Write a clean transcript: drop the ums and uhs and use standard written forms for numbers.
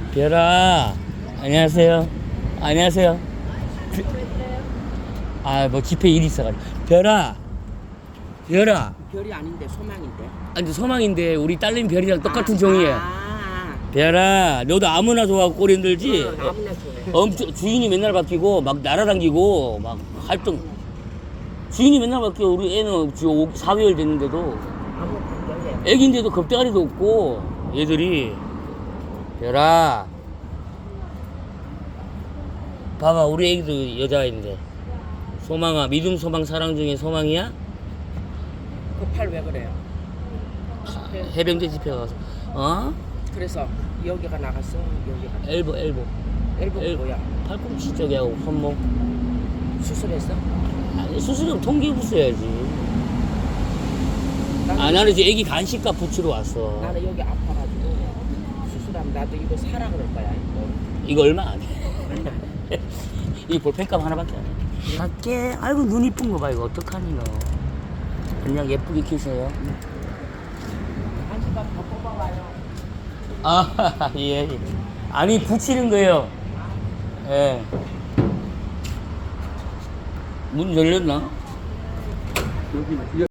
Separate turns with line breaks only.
별아, 안녕하세요. 안녕하세요. 뭐 집회 일이 있어가지고. 별아,
별이 아닌데 소망인데.
아니 소망인데 우리 딸내미 별이랑 똑같은 종이에요.
아,
별아, 너도 아무나 좋아하고 꼴 힘들지?
아무나 좋아해.
엄청 주인이 맨날 바뀌고 막 날아다니고 막 활동. 주인이 맨날 바뀌어. 우리 애는 지금 4개월 됐는데도
아무 관계없네.
애기인데도 겁대가리도 없고 얘들이. 별아, 봐봐, 우리 애기도 여자인데. 소망아, 믿음, 소망, 사랑 중에 소망이야?
그 팔 왜 그래요?
해병대 집회 가서. 어?
그래서 여기가 나갔어. 여기가.
엘보.
엘보가 뭐야?
팔꿈치 쪽하고 손목.
수술했어?
아니, 수술은 통기부 써야지. 나는 이제 애기 간식값 붙이러 왔어.
나는 여기 아파가지고 수술하면 나도 이거 사라 그럴 거야.
이거 얼마 안 해. 이 볼펜값 하나밖에 안 해. 갈게. 아이고, 눈 이쁜 거 봐. 이거 어떡하니 너. 그냥 예쁘게 키세요.
간식값 더 뽑아와요.
아, 예. 아니, 붙이는 거예요. 예. 문 열렸나?